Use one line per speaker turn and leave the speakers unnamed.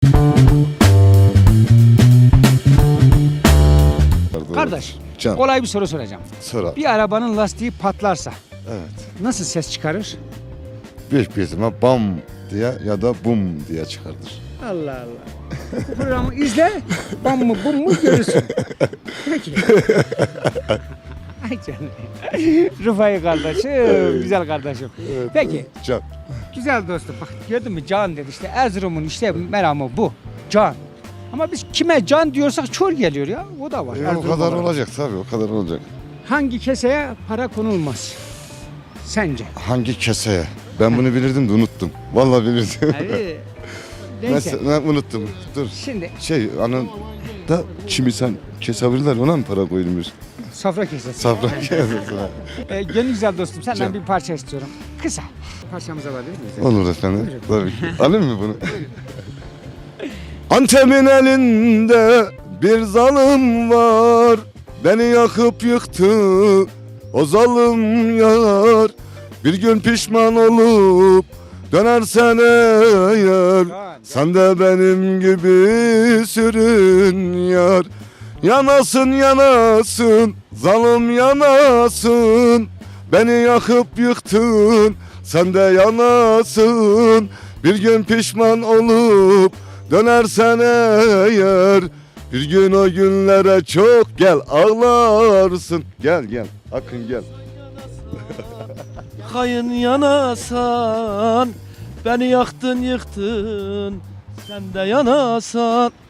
Kardeş,
Can.
kolay bir soru soracağım.
Sonra.
Bir arabanın lastiği patlarsa
Evet.
nasıl ses çıkarır?
Büyük bir ihtimal bam diye ya da bum diye çıkardır.
Allah Allah. Bu programı izle, bam mı bum mu görürsün. Peki. Ay canım. Rıfai kardeşim, güzel kardeşim. Peki,
Can.
güzel dostum. Bak gördün mü can dedi işte Erzurum'un işte meramı bu. Can. Ama biz kime can diyorsak çor geliyor ya. O da var.
O
Erzurum
kadar
olarak.
olacak tabii, o kadar olacak.
Hangi keseye para konulmaz? Sence?
Hangi keseye? Ben bunu bilirdim de unuttum. Vallahi bilirdim.
Abi, neyse.
Ben unuttum. Dur.
Şimdi
Anın da çimi sen kesebilirler, ona mı para koyulmuş?
sofra kesesi.
Safra kesesi.
Gönül güzel dostum senden
Can.
bir parça istiyorum. Kısa. Parçamız var değil mi?
Olur efendim. Tabii ki. Alayım mı bunu? Antep'in elinde bir zalim var. Beni yakıp yıktı o zalim yar. Bir gün pişman olup dönersen eğer, sen de benim gibi sürün yar. Yanasın yanasın, zalim yanasın. Beni yakıp yıktın, sen de yanasın. Bir gün pişman olup dönersen eğer, bir gün o günlere çok gel ağlarsın. Gel gel Akın gel.
Kayın yanasan, beni yaktın yıktın, sen de yanasan.